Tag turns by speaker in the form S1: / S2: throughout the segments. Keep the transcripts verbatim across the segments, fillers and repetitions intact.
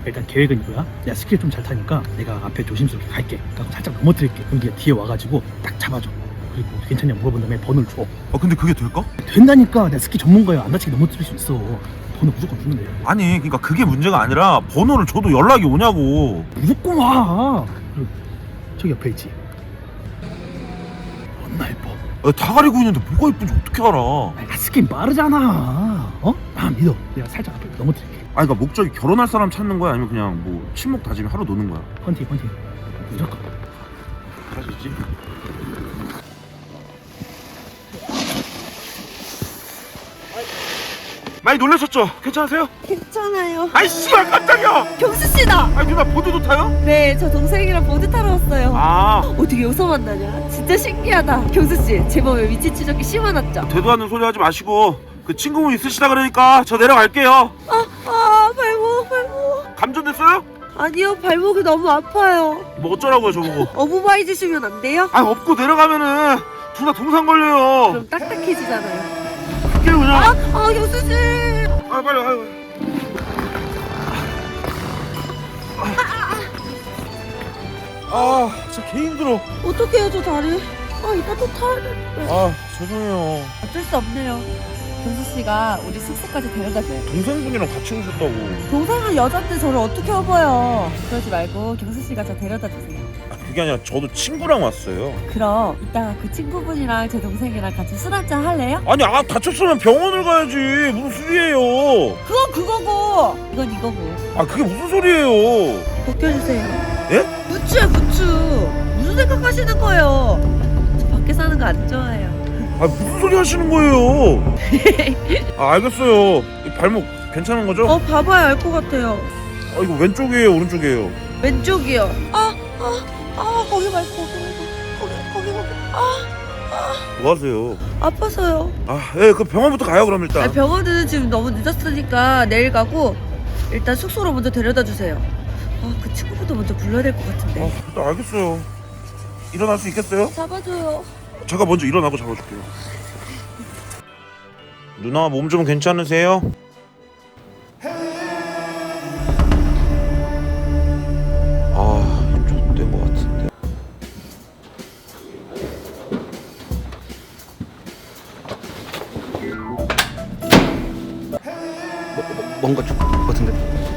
S1: 일단 계획은 이거야. 내가 스킬 좀 잘 타니까 내가 앞에 조심스럽게 갈게. 그러니까 살짝 넘어뜨릴게. 그럼 네가 뒤에 와가지고 딱 잡아줘. 그리고 괜찮냐 물어본 다음에 번호를 줘.
S2: 아 근데 그게 될까?
S1: 된다니까. 내가 스킬 전문가야. 안 다치게 넘어뜨릴 수 있어. 번호 무조건 주는데.
S2: 아니 그러니까 그게 문제가 아니라 번호를 줘도 연락이 오냐고.
S1: 무조건 와. 그리고 저기 옆에 있지. 존나 예뻐.
S2: 아, 다 가리고 있는데 뭐가 예쁜지 어떻게 알아?
S1: 아, 스킨 빠르잖아. 어? 나 믿어. 내가 살짝 앞에 넘어뜨릴게.
S2: 아니 그러니까 목적이 결혼할 사람 찾는 거야? 아니면 그냥 뭐 친목 다짐이 하루 노는 거야?
S1: 헌팅 헌팅. 무조건.
S2: 가시지. 많이 놀라셨죠? 괜찮으세요?
S3: 괜찮아요.
S2: 아이 씨발 깜짝이야.
S3: 경수 씨다.
S2: 아니 누나 보드도 타요?
S3: 네, 저 동생이랑 보드 타러 왔어요.
S2: 아
S3: 어떻게 여기서 만나냐? 진짜 신기하다. 경수 씨, 제 몸에 위치 추적기 심어놨죠?
S2: 대도 않는 소리 하지 마시고 그 친구분 있으시다 그러니까 저 내려갈게요.
S3: 아, 아, 발목, 발목.
S2: 감전됐어요?
S3: 아니요, 발목이 너무 아파요.
S2: 뭐 어쩌라고요 저보고.
S3: 어부바이 주시면 안 돼요?
S2: 아 업고 내려가면은 둘 다 동상 걸려요.
S3: 그럼 딱딱해지잖아요.
S2: 그게 그냥.
S3: 아, 아, 경수 씨.
S2: 아 빨리 아유. 아 진짜 개 힘들어.
S3: 어떡해요, 저 다리? 아, 이따 또 타야 되는데.
S2: 아 죄송해요.
S3: 어쩔 수 없네요. 경수 씨가 우리 숙소까지 데려다줘요.
S2: 동생분이랑 같이 오셨다고.
S3: 동생은 여잔데 저를 어떻게 업어요? 그러지 말고 경수 씨가 저 데려다 주세요.
S2: 아, 그게 아니라 저도 친구랑 왔어요.
S3: 그럼 이따가 그 친구분이랑 제 동생이랑 같이 술 한잔 할래요?
S2: 아니 아 다쳤으면 병원을 가야지. 무슨 소리예요?
S3: 그건 그거고 이건 이거고.
S2: 아 그게 무슨 소리예요?
S3: 벗겨주세요.
S2: 예?
S3: 부추야 부추. 무슨 생각하시는 거예요? 저 밖에 사는 거 안 좋아해요.
S2: 아 무슨 소리 하시는 거예요? 아 알겠어요. 이 발목 괜찮은 거죠?
S3: 어 봐봐야 알 것 같아요.
S2: 아 이거 왼쪽이에요 오른쪽이에요?
S3: 왼쪽이요. 아 아 아 거기 말고 거기 말고 거기 거기 거기. 아
S2: 뭐 하세요?
S3: 아파서요.
S2: 아예 그 병원부터 가요 그럼 일단.
S3: 아, 병원은 지금 너무 늦었으니까 내일 가고 일단 숙소로 먼저 데려다 주세요. 아 그 친구분도 먼저 불러야 될 것 같은데.
S2: 아 일단 알겠어요. 일어날 수 있겠어요?
S3: 잡아줘요.
S2: 제가 먼저 일어나고 잡아줄게요. 누나 몸 좀 괜찮으세요? 아 좆된 것 같은데.
S1: 뭐, 뭐, 뭔가 좀 같은데.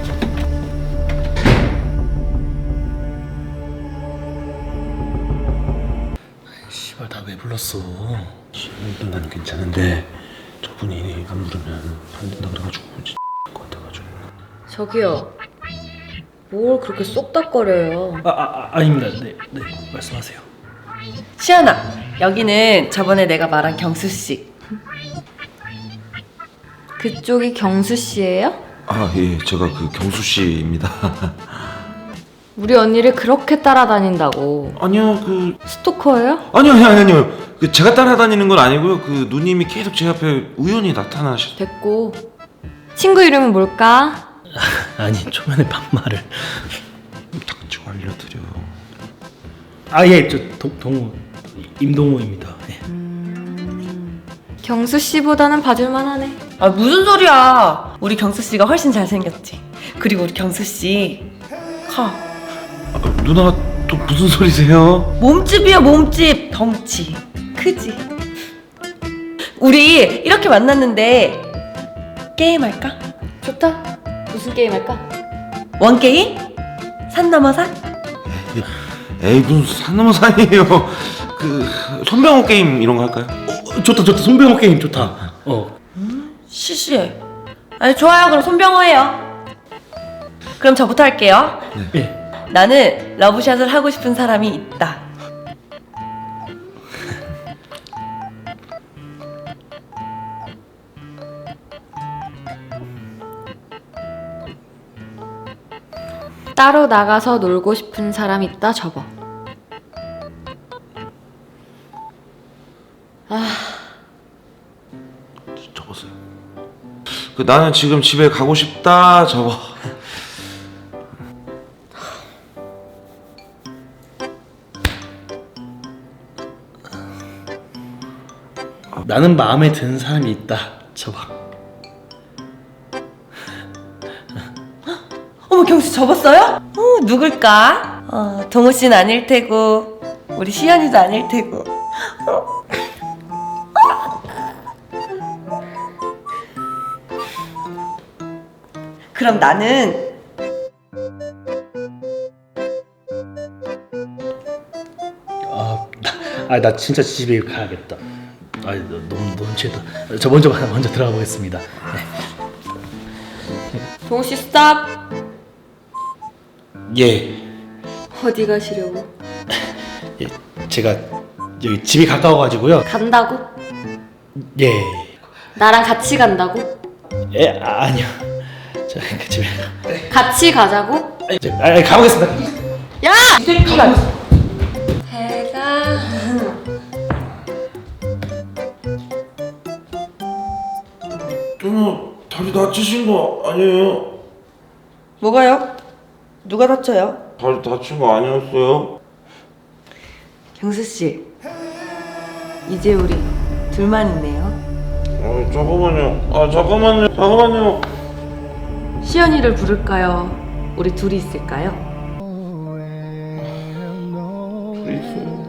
S1: 씨발 나 왜 불렀어?
S4: 일단 난 괜찮은데 저분이 안 부르면 안 된다 그래가지고 진짜 것 같아가지고.
S5: 저기요. 뭘 그렇게 쏙닥거려요.
S1: 아, 아, 아 아닙니다. 네, 네 말씀하세요.
S3: 시연아, 여기는 저번에 내가 말한 경수 씨.
S5: 그쪽이 경수 씨예요?
S4: 아 예, 제가 그 경수 씨입니다.
S5: 우리 언니를 그렇게 따라다닌다고.
S4: 아니요 그
S5: 스토커예요?
S4: 아니요 아니요 아니요 그 제가 따라다니는 건 아니고요. 그 누님이 계속 제 앞에 우연히 나타나셔.
S5: 됐고. 친구 이름은 뭘까?
S1: 아니 초면에 반말을.
S4: 닥치고 알려드려.
S1: 아 예, 저 동, 동호 임동호입니다. 예.
S5: 경수 씨보다는 봐줄만하네.
S3: 아 무슨 소리야? 우리 경수 씨가 훨씬 잘생겼지. 그리고 우리 경수 씨 커.
S4: 아, 누나가 또 무슨 소리세요?
S3: 몸집이야 몸집. 덩치 크지. 우리 이렇게 만났는데 게임 할까?
S5: 좋다. 무슨 게임 할까?
S3: 원 게임? 산 넘어 산?
S4: 에이 무슨 산 넘어 산이에요. 그 손병호 게임 이런 거 할까요?
S1: 어, 좋다 좋다. 손병호 게임 좋다. 어.
S3: 시시해. 아니 좋아요. 그럼 손병호 해요. 그럼 저부터 할게요.
S1: 예.
S3: 나는 러브샷을 하고 싶은 사람이 있다.
S5: 따로 나가서 놀고 싶은 사람 있다 접어. 아,
S4: 접었어요. 그 나는 지금 집에 가고 싶다 접어.
S1: 나는 마음에 드는 사람이 있다. 접어.
S3: 어머, 경수 접었어요? 어, 누굴까? 어, 동호 씨는 아닐 테고 우리 시연이도 아닐 테고. 어. 그럼 나는
S1: 아, 나, 아, 나 진짜 집에 가야겠다. 아, 너무 너무 취했다. 저 먼저 먼저 들어가 보겠습니다. 네.
S5: 동호 씨 스탑.
S1: 예,
S5: 어디 가시려고?
S1: 예, 제가 여기 집이 가까워가지고요.
S5: 간다고?
S1: 예,
S5: 나랑 같이 간다고?
S1: 예, 아, 아니요. 저 그 집에
S5: 같이 가자고?
S1: 아, 저, 아, 가보겠습니다.
S5: 야!
S1: 이 새끼가.
S5: 배가
S2: 누나 다리 다치신 거 아니에요?
S3: 뭐가요? 누가 다쳐요?
S2: 다리 다친 거 아니었어요?
S3: 경수 씨, 이제 우리 둘만 있네요.
S2: 아 잠깐만요. 아 잠깐만요. 잠깐만요.
S3: 시연이를 부를까요? 우리 둘이 있을까요?
S2: 둘이 있어요.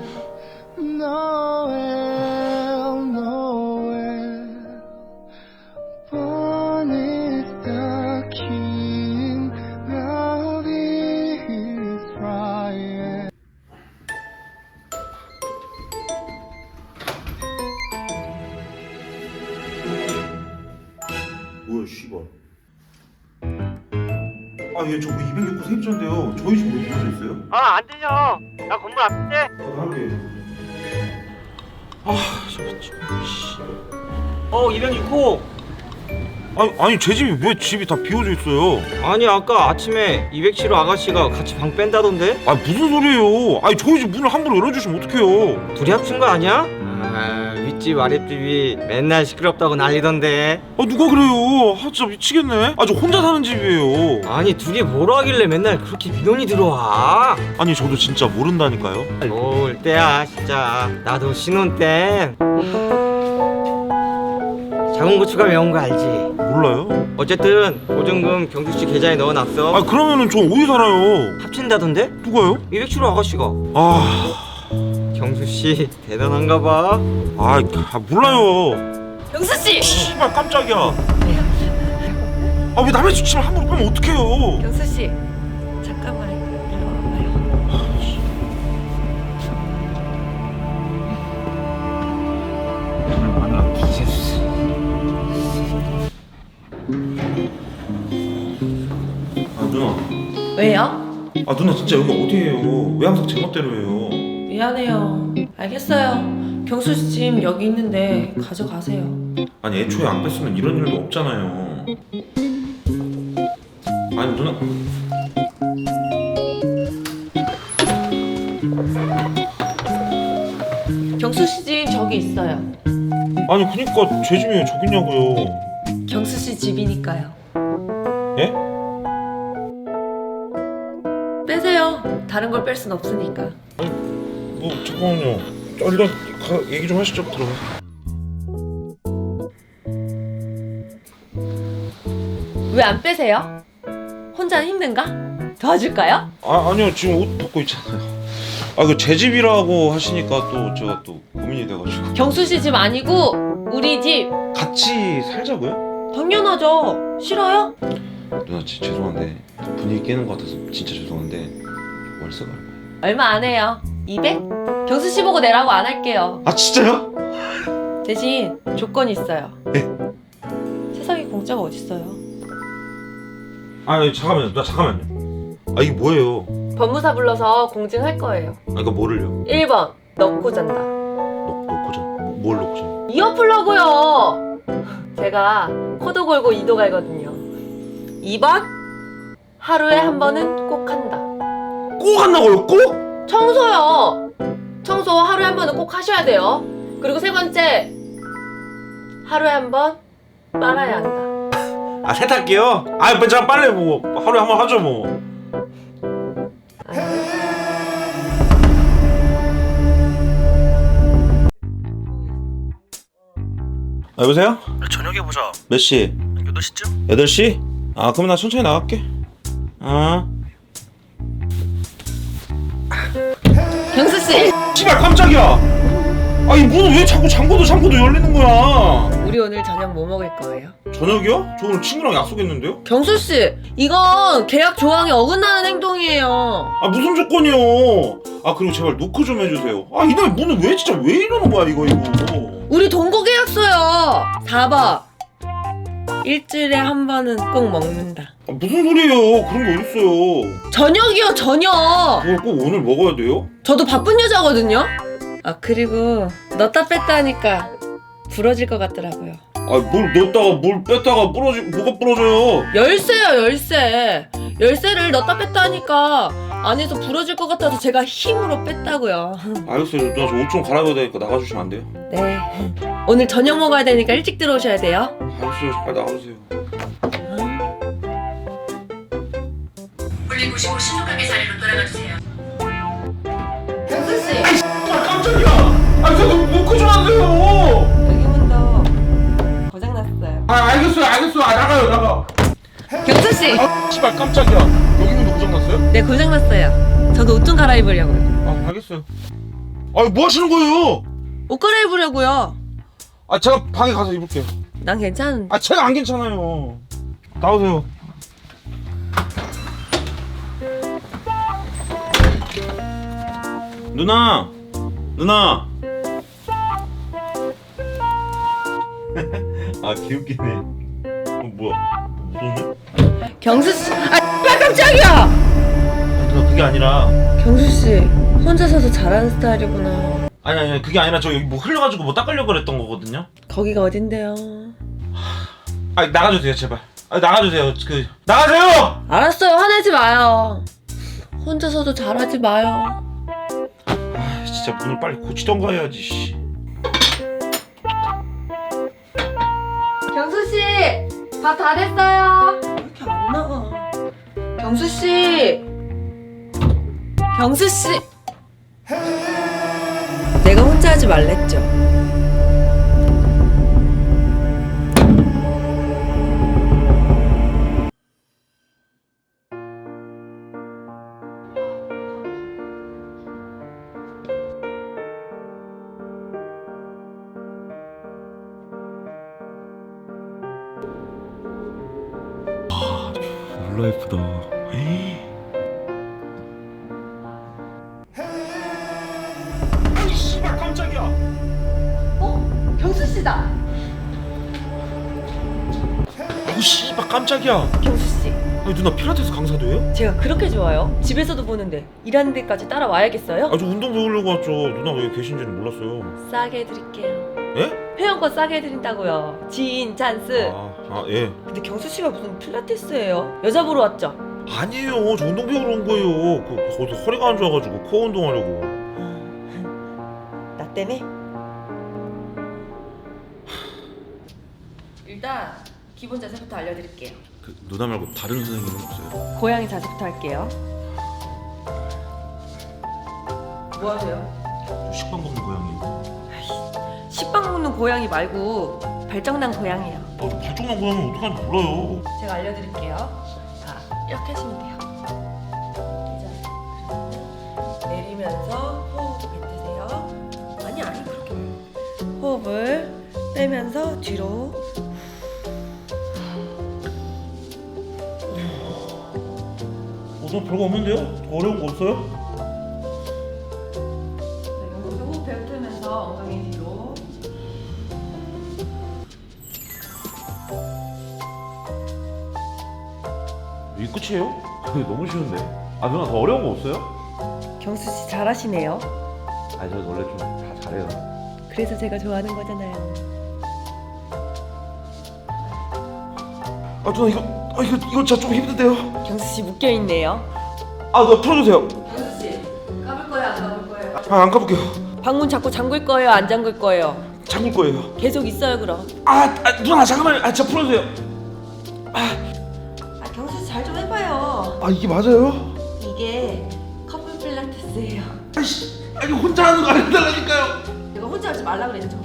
S2: 뭐야 씨발. 아얘 저거 이백육 구 세입자인데요. 저희 집 왜 비어져 있어요?
S6: 아, 안 되죠. 나 건물 앞인데.
S2: 저도 할게요. 아 진짜 씨.
S6: 어, 이백육 호.
S2: 아니 아니 제 집이 왜 집이 다 비어져 있어요?
S6: 아니, 아까 아침에 이백칠 호 아가씨가 같이 방 뺀다던데?
S2: 아 무슨 소리예요? 아니 저희 집 문을 함부로 열어주시면 어떡해요?
S6: 둘이 합친 거 아니야? 아, 윗집 아랫집이 맨날 시끄럽다고 난리던데.
S2: 아 누가 그래요? 아 진짜 미치겠네. 아 저 혼자 사는 집이에요.
S6: 아니, 둘이 뭐라 하길래 맨날 그렇게 민원이 들어와?
S2: 아니 저도 진짜 모른다니까요.
S6: 올 때야, 진짜. 나도 신혼 땐 작은 고추가 매운 거 알지?
S2: 몰라요?
S6: 어쨌든 보증금 경수 씨 계좌에 넣어놨어.
S2: 아 그러면은 저 어디 살아요?
S6: 합친다던데?
S2: 누가요?
S6: 이백칠 호 아가씨가.
S2: 아,
S6: 경수 씨 대단한가 봐.
S2: 아, 아 몰라요.
S3: 경수 씨!
S2: 씨발 깜짝이야. 아 왜 남의 집 침을 함부로 빼면 어떡해요?
S3: 경수 씨, 잠깐만 일로 와봐요.
S2: 아 누나.
S3: 왜요?
S2: 아 누나 진짜 여기 어디예요? 왜 항상 제 멋대로 해요?
S3: 미안해요. 알겠어요. 경수 씨 짐 여기 있는데 가져가세요.
S2: 아니 애초에 안 뺐으면 이런 일도 없잖아요. 아니 누나.
S3: 경수 씨 짐 저기 있어요.
S2: 아니 그니까 제 집이 왜 저기 있냐고요.
S3: 경수 씨 집이니까요.
S2: 예?
S3: 빼세요. 다른 걸 뺄 순 없으니까.
S2: 뭐 잠깐만요. 아, 일단 가, 얘기 좀 하시죠 그럼.
S3: 왜 안 빼세요? 혼자 힘든가? 도와줄까요?
S2: 아 아니요 지금 옷 벗고 있잖아요. 아 그 제 집이라고 하시니까 또 제가 또 고민이 돼가지고.
S3: 경수 씨 집 아니고 우리 집.
S2: 같이 살자고요?
S3: 당연하죠. 싫어요?
S2: 누나 진짜 죄송한데 분위기 깨는 것 같아서 진짜 죄송한데 월세가 얼마예요?
S3: 얼마 안 해요. 이백? 경수 씨 보고 내라고 안 할게요.
S2: 아 진짜요?
S3: 대신 조건이 있어요.
S2: 네.
S3: 세상에 공짜가 어딨어요.
S2: 아 잠깐만요 누나 잠깐만요. 아 이게 뭐예요?
S3: 법무사 불러서 공증할 거예요.
S2: 아 이거 뭐를요?
S3: 일 번 넣고 잔다.
S2: 놓, 놓고 자? 뭐, 뭘 놓고 자?
S3: 이어 풀려고요. 제가 코도 골고 이도 갈거든요. 이 번 하루에 한 번은 꼭 한다.
S2: 꼭 한다고요? 꼭?
S3: 청소요. 청소 하루에 한 번은 꼭 하셔야 돼요. 그리고 세 번째 하루에 한 번 빨아야 한다.
S2: 아 세탁기요? 아 제가 빨래 뭐 하루에 한 번 하죠 뭐. 아, 여보세요?
S1: 저녁에 보자.
S2: 몇 시?
S1: 여덟 시쯤?
S2: 여덟 시? 아 그럼 나 천천히 나갈게. 어?
S3: 경수 씨,
S2: 씨발 깜짝이야. 아이 문은 왜 자꾸 잠궈도 잠궈도 열리는 거야?
S3: 우리 오늘 저녁 뭐 먹을 거예요?
S2: 저녁이요? 저 오늘 친구랑 약속했는데요?
S3: 경수 씨, 이건 계약 조항에 어긋나는 행동이에요.
S2: 아 무슨 조건이요? 아 그리고 제발 노크 좀 해주세요. 아 이놈의 문은 왜 진짜 왜 이러는 거야 이거 이거.
S3: 우리 동거 계약서요. 사 번. 일주일에 한 번은 꼭 먹는다.
S2: 아, 무슨 소리예요? 그런 게 어딨어요?
S3: 저녁이요, 저녁.
S2: 그걸 꼭 오늘 먹어야 돼요?
S3: 저도 바쁜 여자거든요. 아, 그리고 넣다 뺐다 하니까 부러질 것 같더라고요.
S2: 아 뭘 넣었다가 뭘 뺐다가 부러지 뭐가 부러져요?
S3: 열쇠요, 열쇠. 열쇠를 넣다 뺐다 하니까 안에서 부러질 것 같아서 제가 힘으로 뺐다고요.
S2: 알겠어요. 누나 저 옷 좀 갈아입어야 되니까 나가주시면 안 돼요?
S3: 네. 오늘 저녁 먹어야 되니까 일찍 들어오셔야 돼요.
S2: 알겠어요. 빨리 나가주세요.
S3: 볼링 보시고 신속하게 자리로 돌아가 주세요. 경수 씨,
S2: 아 깜짝이야. 아 저 노크 좀 하세요.
S3: 여기 문도 고장 났어요.
S2: 아 알겠어요. 알겠어요. 아 나가요 나가.
S3: 경수 씨,
S2: 아 씨발 깜짝이야. 여기 문도 고장났어요?
S3: 네 고장 났어요. 저도 옷 좀 갈아입으려고요.
S2: 아 알겠어요. 아뭐 하시는 거예요?
S3: 옷 갈아입으려고요.
S2: 아 제가 방에 가서 입을게요.
S3: 난 괜찮은데.
S2: 아 제가 안 괜찮아요. 나오세요. 누나, 누나. 아 귀엽기네. 어, 뭐야? 무섭네?
S3: 경수 씨, 아 깜짝이야.
S2: 아, 누나 그게 아니라.
S3: 경수 씨 혼자 서서 잘하는 스타일이구나.
S2: 아니 아니 그게 아니라 저 여기 뭐 흘려가지고 뭐 닦으려고 그랬던 거거든요.
S3: 거기가 어딘데요?
S2: 아 나가주세요 제발. 아 나가주세요. 그 나가세요.
S3: 알았어요, 화내지 마요. 혼자서도 잘하지 마요.
S2: 아 진짜 문을 빨리 고치던가 해야지. 씨.
S3: 경수 씨, 밥 다 됐어요. 왜 이렇게 안 나가? 경수 씨, 경수 씨. 내가 혼자 하지 말랬죠.
S2: 몰라 예쁘다. 아이 씨발 깜짝이야.
S3: 어? 경수 씨다.
S2: 아우 씨발 깜짝이야.
S3: 경수 씨,
S2: 아니 누나 필라테스 강사도예요?
S3: 제가 그렇게 좋아요? 집에서도 보는데 일하는 데까지 따라와야겠어요?
S2: 아 저 운동 배우려고 왔죠. 누나 왜 계신지는 몰랐어요.
S3: 싸게 해드릴게요.
S2: 예?
S3: 회원권 싸게 해드린다고요. 지인 찬스.
S2: 아, 아 예.
S3: 근데 경수 씨가 무슨 필라테스예요? 여자 보러 왔죠?
S2: 아니에요. 저 운동 배우러 온 거예요. 그 거기서 허리가 안 좋아가지고 코어 운동하려고.
S3: 나 때문에? 일단 기본 자세부터 알려드릴게요.
S2: 그 누나 말고 다른 선생님은 없어요?
S3: 고양이 자세부터 할게요. 뭐 하세요?
S2: 식빵 먹는 고양이.
S3: 식빵 먹는 고양이 말고 발정난 고양이요.
S2: 아, 저 발정난 고양이 어떡하는지 몰라요.
S3: 제가 알려드릴게요. 자, 이렇게 하시면 돼요. 자, 내리면서 호흡 뱉으세요. 아니 아니 그렇게 말고. 호흡을 빼면서 뒤로.
S2: 어, 너 별거 없는데요? 더 어려운 거 없어요?
S3: 자, 호흡 뱉으면서 엉덩이 뒤로.
S2: 이게 끝이에요? 너무 쉬운데. 아 누나 더 어려운 거 없어요?
S3: 경수 씨 잘하시네요.
S2: 아 저 원래 좀 다 잘해요.
S3: 그래서 제가 좋아하는 거잖아요.
S2: 아 누나 이거 아 이거 이거 진짜 좀 힘든데요.
S3: 경수 씨 묶여 있네요.
S2: 아 누나 풀어주세요.
S3: 경수 씨 까불 거예요, 안 까불 거예요?
S2: 아 안 가볼게요.
S3: 방문 자꾸 잠글 거예요, 안 잠글 거예요?
S2: 잠글 거예요.
S3: 계속 있어요, 그럼.
S2: 아, 아 누나 잠깐만. 아 진짜 풀어주세요.
S3: 아, 경수 씨 잘 좀 해봐요.
S2: 아 이게 맞아요?
S3: 이게 커플 필라테스예요.
S2: 아이씨, 아니 혼자 하는 거 안 해달라니까요.
S3: 내가 혼자 하지 말라 그랬죠.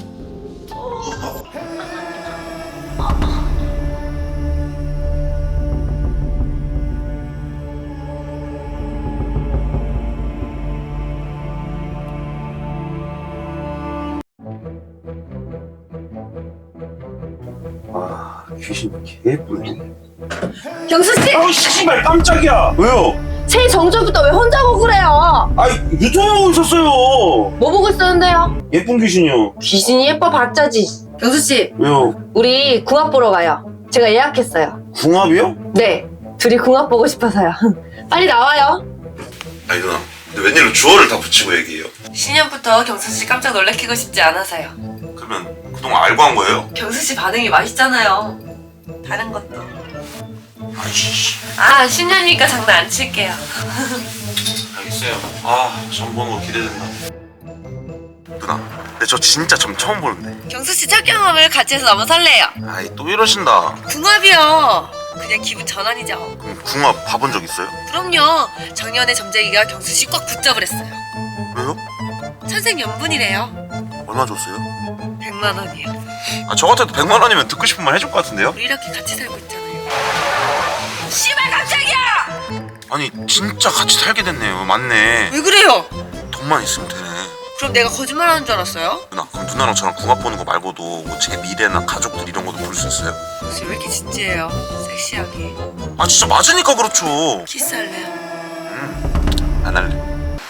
S2: 귀신 개 예쁜데.
S3: 경수 씨,
S2: 아 씨발 깜짝이야. 왜요?
S3: 새해 정전부터 왜 혼자 보고 그래요?
S2: 아 유튜브 보고 있었어요.
S3: 뭐 보고 있었는데요?
S2: 예쁜 귀신이요.
S3: 귀신이 예뻐 봤자지. 경수 씨,
S2: 왜요?
S3: 우리 궁합 보러 가요. 제가 예약했어요.
S2: 궁합이요?
S3: 네, 둘이 궁합 보고 싶어서요. 빨리 나와요.
S2: 아니 누나, 근데 웬일로 주어를 다 붙이고 얘기해요?
S3: 신년부터 경수 씨 깜짝 놀래키고 싶지 않아서요.
S2: 그러면 그동안 알고 한 거예요?
S3: 경수 씨 반응이 맛있잖아요. 다른 것도.
S2: 아이씨.
S3: 아, 신년이니까 장난 안 칠게요.
S2: 알겠어요. 아, 점 보는 거 기대된다. 누나, 근데 저 진짜 점 처음 보는데.
S3: 경수 씨 첫 경험을 같이 해서 너무 설레요.
S2: 아이 또 이러신다.
S3: 궁합이요. 그냥 기분 전환이죠.
S2: 그럼 궁합 봐본 적 있어요?
S3: 그럼요. 작년에 점쟁이가 경수 씨 꽉 붙잡으랬어요.
S2: 왜요?
S3: 천생연분이래요.
S2: 얼마 줬어요?
S3: 백만 원이요.
S2: 아, 저 같아도 백만 원이면 듣고 싶은 말 해줄 것 같은데요?
S3: 우리 이렇게 같이 살고 있잖아요. 씨발 깜짝이야!
S2: 아니 진짜 같이 살게 됐네요. 맞네.
S3: 왜 그래요?
S2: 돈만 있으면 되네.
S3: 그럼 내가 거짓말하는 줄 알았어요?
S2: 누나, 그럼 누나랑 저랑 궁합 보는 거 말고도 뭐 제 미래나 가족들 이런 것도 볼 수 있어요?
S3: 혹시 왜 이렇게 진지해요? 섹시하게.
S2: 아 진짜 맞으니까 그렇죠.
S3: 키스할래요?
S2: 음, 안 할래.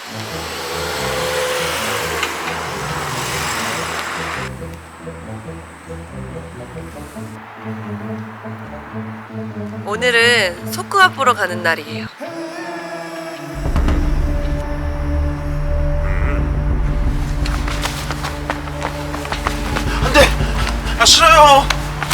S3: 오늘은 소궁합 보러 가는 날이에요.
S2: 안돼. 아 싫어요.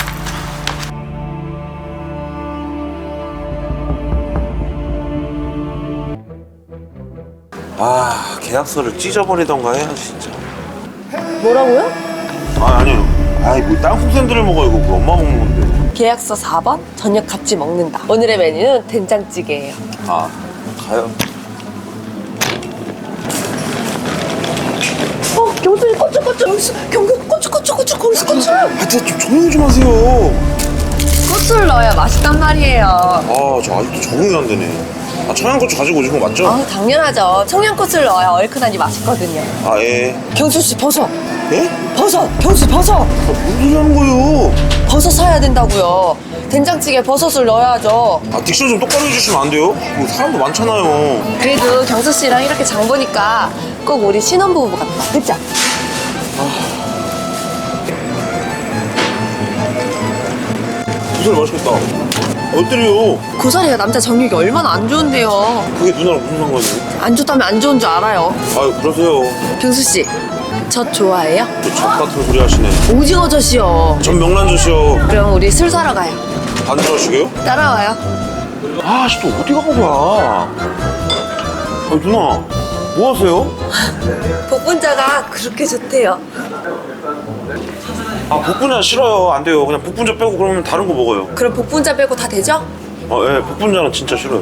S2: 아 계약서를 찢어버리던가 해야지 진짜.
S3: 뭐라고요?
S2: 아 아니요. 아이 뭐 땅콩 샌드를 먹어 이거 그 엄마 먹는 건데.
S3: 계약서 사 번 저녁 같이 먹는다. 오늘의 메뉴는 된장찌개예요.
S2: 아 가요.
S3: 어, 경수님 꼬치꼬치 경수 경수 꼬치꼬치꼬치 거기서 꼬치.
S2: 아 진짜 좀 조용 좀 하세요.
S3: 꼬치를 넣어야 맛있단 말이에요.
S2: 아 저 아직도 적응이 안 되네. 아 청양고추 가지고 오신 거 맞죠?
S3: 아, 당연하죠. 청양고추를 넣어야 얼큰하니 맛있거든요.
S2: 아 예.
S3: 경수 씨 버섯.
S2: 예?
S3: 버섯. 경수 버섯.
S2: 아, 무슨 소리 하는 거예요?
S3: 버섯 사야 된다고요. 된장찌개 버섯을 넣어야죠.
S2: 아 딕션 좀 똑바로 해주시면 안 돼요? 뭐 사람도 많잖아요.
S3: 그래도 경수 씨랑 이렇게 장 보니까 꼭 우리 신혼부부 같다. 그죠?
S2: 고소리 맛있겠다. 어때요?
S3: 고사리가 남자 정력이 얼마나 안 좋은데요.
S2: 그게 누나랑 무슨 상관이에요?
S3: 안 좋다면 안 좋은 줄 알아요.
S2: 아 그러세요.
S3: 경수 씨, 젖 좋아해요?
S2: 저 젖 같은 소리 하시네.
S3: 오징어 젖이요.
S2: 전 명란젓이요.
S3: 그럼 우리 술 사러 가요.
S2: 안 좋아하시게요?
S3: 따라와요.
S2: 아씨 또 어디 간 거야? 아 누나 뭐 하세요?
S3: 복분자가 그렇게 좋대요.
S2: 아 복분자 싫어요. 안 돼요. 그냥 복분자 빼고 그러면 다른 거 먹어요.
S3: 그럼 복분자 빼고 다 되죠?
S2: 아 예, 복분자는 진짜 싫어요.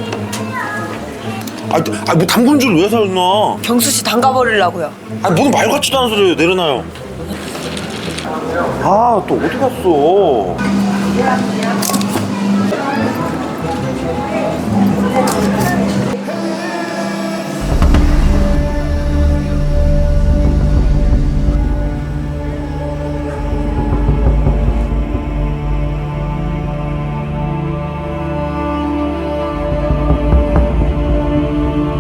S2: 아, 아, 뭐 당근주를 왜 사요 누나?
S3: 경수 씨 담가버리려고요.
S2: 아, 뭔 말 같지도 않은 소리예요. 내려놔요. 아, 또 어디 갔어?